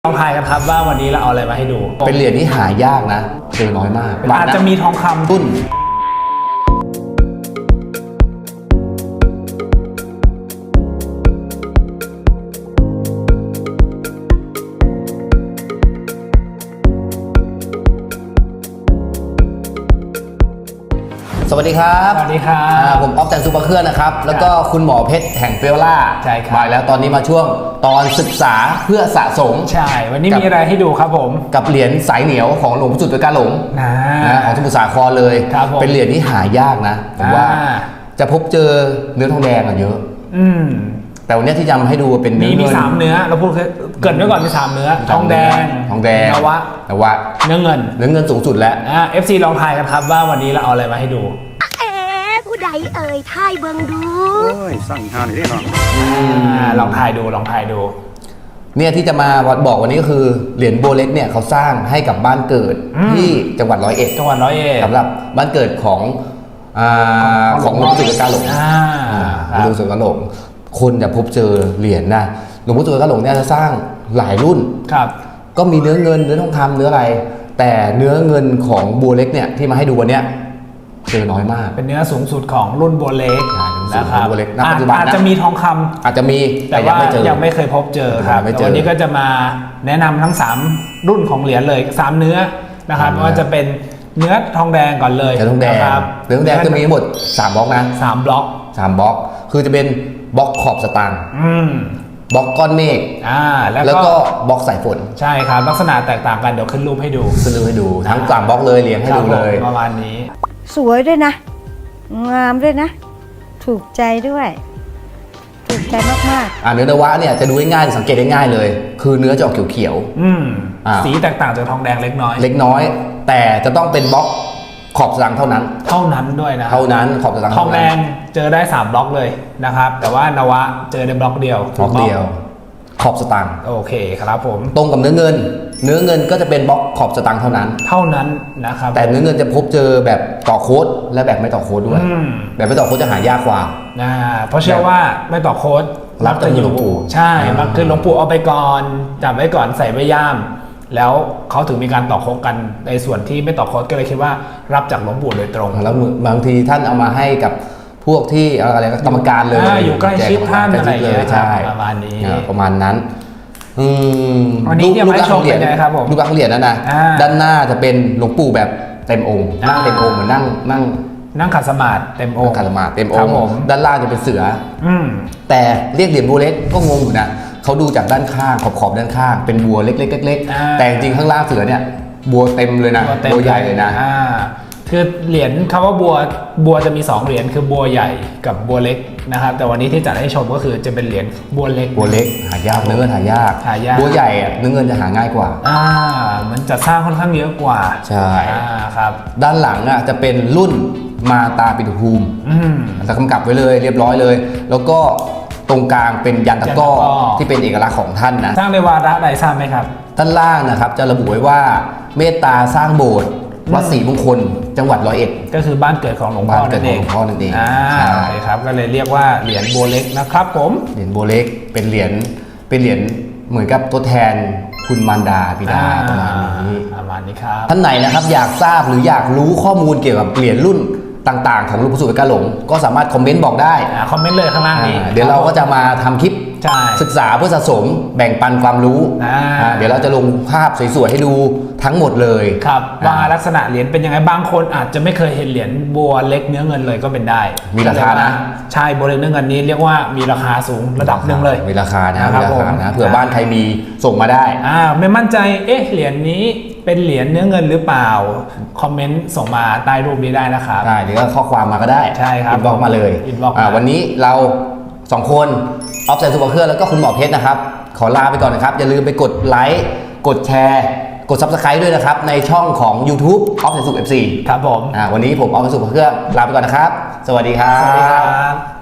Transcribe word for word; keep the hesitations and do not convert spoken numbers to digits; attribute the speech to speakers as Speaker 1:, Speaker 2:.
Speaker 1: ลองทายกันครับว่าวันนี้เราเอาอะไรมาให้ดู
Speaker 2: เป็นเหรียญที่หายากนะเจอน้อยมาก
Speaker 1: อาจจะมีทองคำ
Speaker 2: ตุ้นสวัสดีครับ
Speaker 1: สวัสดีครับ
Speaker 2: ผมออฟแตนซูเปอร์เครื่องนะครับแล้วก็คุณหมอเพชรแห่งเฟลล่า
Speaker 1: ใช่ครับ
Speaker 2: มาแล้วตอนนี้มาช่วงตอนศึกษาเพื่อสะสม
Speaker 1: ใช่วันนี้มีอะไรให้ดูครับผม
Speaker 2: กับเหรียญสายเหนียวของหลวงพ่อจุดกาหลงนะของสมุทรสาครเลยเป็นเหรียญที่หายากนะผมว่าจะพบเจอเนื้อทองแดงเยอะ
Speaker 1: อืม
Speaker 2: แต่วันนี้ที่จะมาให้ดูเป็น
Speaker 1: มีมีสามเนื้อเราพูดเกิดไว้ก่อนมีสามเนื้อทองแดง
Speaker 2: ทองแดง
Speaker 1: นวะ
Speaker 2: นวะ
Speaker 1: เนื้อเงิน
Speaker 2: เนื้อเงินสูงสุดแล้ว
Speaker 1: อ่า เอฟ ซี ลองทายกันครับว่าวันนี้เราเอาอะไรมาให้ดู
Speaker 3: ผู้ใดเอ่ยทายเบิ่งดู
Speaker 4: โอ้ยสั่งหาหน่อยได้หรอ
Speaker 1: ลองทายดูลองทายดู
Speaker 2: เนี่ยที่จะมาบอกวันนี้ก็คือเหรียญโบเล็กเนี่ยเขาสร้างให้กับบ้านเกิดที่จังหวัดร้อยเอ็ด
Speaker 1: จังหวัดร้อยเอ็ด
Speaker 2: สำหรับบ้านเกิดของของหลวงพ่อจุดกาหลงหลวงพ่อจุดกาหลงคนจะพบเจอเหรียญนะหลวงพ่อจุดกาหลงเนี่ยจะสร้างหลายรุ่น
Speaker 1: ครับ
Speaker 2: ก็มีเนื้อเงินเนื้อทองคำเนื้ออะไรแต่เนื้อเงินของโบเล็กเนี่ยที่มาให้ดูวันเนี้ยเจอน้อยมาก
Speaker 1: เป็นเนื้อสูงสุดของรุ่นโบเล็ก
Speaker 2: นะครับ
Speaker 1: อาจจะมีทองคำ
Speaker 2: อาจจะมี
Speaker 1: แต่ว่ายังไม่เคยพบเจอครับวันนี้ก็จะมาแนะนำทั้งสามรุ่นของเหรียญเลยสามเนื้อนะครับไม่ว่าจะเป็นเนื้อทองแดงก่อนเลย
Speaker 2: เนื้อทองแดงเนื้อทองแดงจะมีทั้งหมดสามบล็อกนะ
Speaker 1: สามบล็อก
Speaker 2: สามบล็อกคือจะเป็นบล็อกขอบสตางค์บล็อกก้อนเมฆ
Speaker 1: อ่า
Speaker 2: แล้วก็บล็อกสายฝน
Speaker 1: ใช่ครับลักษณะแตกต่างกันเดี๋ยวขึ้นรูปให้ดู
Speaker 2: ขึ้นรูปให้ดูทั้งสามบล็อกเลยเรียงให้ดูเลย
Speaker 1: ประมาณนี้
Speaker 3: สวยด้วยนะงามด้วยนะถูกใจด้วยถูกใจมาก
Speaker 2: ๆอ่าเนื้อนวะเนี่ยจะดูง่ายๆสังเกตได้ง่ายเลยคือเนื้อจะออกเขียว
Speaker 1: ๆอืมสีแตกต่างจากทองแดงเล็กน้อย
Speaker 2: เล็กน้อยแต่จะต้องเป็นบล็อกขอบสตางค์เท่านั้น
Speaker 1: เท่านั้นด้วยนะ
Speaker 2: เท่านั้นขอบสตางค์
Speaker 1: ทองแดงเจอได้สามบล็อกเลยนะครับแต่ว่านวะเจอได้บล็อกเดียว
Speaker 2: บล็อกเดียวขอบสตางค์
Speaker 1: โอเคครับผม
Speaker 2: ตรงกับเนื้อเงินเนื้อเงินก็จะเป็นบล็อกขอบสตางค์เท่านั้น
Speaker 1: เท่านั้นนะครับ
Speaker 2: แต่เนื้อเงินจะพบเจอแบบต่อโค้ดและแบบไม่ต่อโค้ดด้วยแบบไม่ต่อโค้ดจะหายากกว่า
Speaker 1: นะเพราะเชื่อว่าไม่ต่อโค้ด
Speaker 2: รับจะอยู่หลวงปู่
Speaker 1: ใช่มักคือหลวงปู่เอาไปก่อนจับไว้ก่อนใส่ไว้ย่ามแล้วเขาถึงมีการต่อโค้ดกันในส่วนที่ไม่ต่อโค้ดก็เลยคิดว่ารับจากหลวงปู่โดยตรง
Speaker 2: แล้วบางทีท่านเอามาให้กับพวกที่อะไรกรรมการเลย
Speaker 1: อยู่ใกล้ชิดท่านอะไรอย่างเงี้ยประมาณนี้
Speaker 2: ประมาณนั้น
Speaker 1: วันนี้ที่มาให้ชมเป็นไงครับผม
Speaker 2: รูปร่างเหรียญนะนะด้านหน้าจะเป็นหลวงปู่แบบเต็มองค์นั่งเต็มองค์เหมือนนั่งนั่ง
Speaker 1: นั่งขัดสมาธิเต็มองค์
Speaker 2: ขัดสมาธิเต็มองค์ด้านล่างจะเป็นเสือแต่เรียกเหรียญบัวเล็กก็งงอยู่นะเขาดูจากด้านข้างขอบขอบด้านข้างเป็นบัวเล็กๆเล็กๆแต่จริงข้างล่างเสือเนี่ยบัวเต็มเลยนะบัวใหญ่เลยนะ
Speaker 1: คือเหรียญคำว่าบัวบัวจะมีสองเหรียญคือบัวใหญ่กับบัวเล็กนะครับแต่วันนี้ที่จัดให้ชมก็คือจะเป็นเหรียญบัวเล็ก
Speaker 2: บัวเล็กหายากเนื้อเงินหายาก
Speaker 1: หายาก
Speaker 2: บัวใหญ่เนื้อเงินจะหาง่ายกว่า
Speaker 1: อ่ามันจะสร้างค่อนข้างเยอะกว่า
Speaker 2: ใช่
Speaker 1: อ่าครับ
Speaker 2: ด้านหลังอ่ะจะเป็นรุ่นมาตาปิฎกภูมิจะกำกับไว้เลยเรียบร้อยเลยแล้วก็ตรงกลางเป็นยันตะก้อที่เป็นเอกลักษณ์ของท่านนะ
Speaker 1: สร้างในวาระใดทราบไหมครับ
Speaker 2: ด้านล่างนะครับจะระบุไว้ว่าเมตตาสร้างโบสถ์วัดศรีมงคลจังหวัดร้อยเอ็ด
Speaker 1: ก็คือบ้านเกิดของหลวงพ่อนั่นเอง
Speaker 2: หลวงพ่อนั่นเอง
Speaker 1: ใช่ครับก็เลยเรียกว่าเหรียญบัวเล็กนะครับผม
Speaker 2: เหรียญบัวเล็กเป็นเหรียญเป็นเหรียญเหมือนกับตัวแทนคุณมารดาบิดาประมาณนี้
Speaker 1: ประมาณนี้ครับ
Speaker 2: ท่านไหนนะครับอยากทราบหรืออยากรู้ข้อมูลเกี่ยวกับเหรียญรุ่นต่างๆของหลวงปู่สุดกาหลงก็สามารถคอมเมนต์บอกได้
Speaker 1: คอมเมนต์เลยข้างล่างนี้
Speaker 2: เดี๋ยวเราก็จะมาทำคลิปศึกษาเพื่อสะสมแบ่งปันความรู้เดี๋ยวเราจะลงภาพสวยๆให้ดูทั้งหมดเลย
Speaker 1: ครับว่าลักษณะเหรียญเป็นยังไงบางคนอาจจะไม่เคยเห็นเหรียญบัวเล็กเนื้อเงินเลยก็เป็นได้
Speaker 2: มีราคานะ
Speaker 1: ใช่บัวเล็กเนื้อเงินนี้เรียกว่ามีราคาสูงระดับหนึ่งเลย
Speaker 2: มีราคานะมีราคานะเผื่อบ้านใครมีส่งมาได้
Speaker 1: อ่าไม่มั่นใจเอ๊ะเหรียญนี้เป็นเหรียญเนื้อเงินหรือเปล่าคอมเมนต์ส่งมาใต้รูปนี้ได้นะครับ
Speaker 2: ได้หรือว่าข้อความมาก็ได้
Speaker 1: ใช่ครับ
Speaker 2: อินบ็อกซ์มาเลย
Speaker 1: อินบ็อกซ์
Speaker 2: วันนี้เราสองคนออฟแตนซูเปอร์เครื่องแล้วก็คุณหมอเพชรนะครับขอลาไปก่อนนะครับอย่าลืมไปกดไลค์กดแชร์กด ซับสไครบ์ ด้วยนะครับในช่องของ ยูทูบ ออฟแตนซูเอฟซี
Speaker 1: ครับผม
Speaker 2: วันนี้ผมออฟแตนซูเปอร์เครื่องลาไปก่อนนะครับสวัสดีครับ
Speaker 1: สวัสดีครับ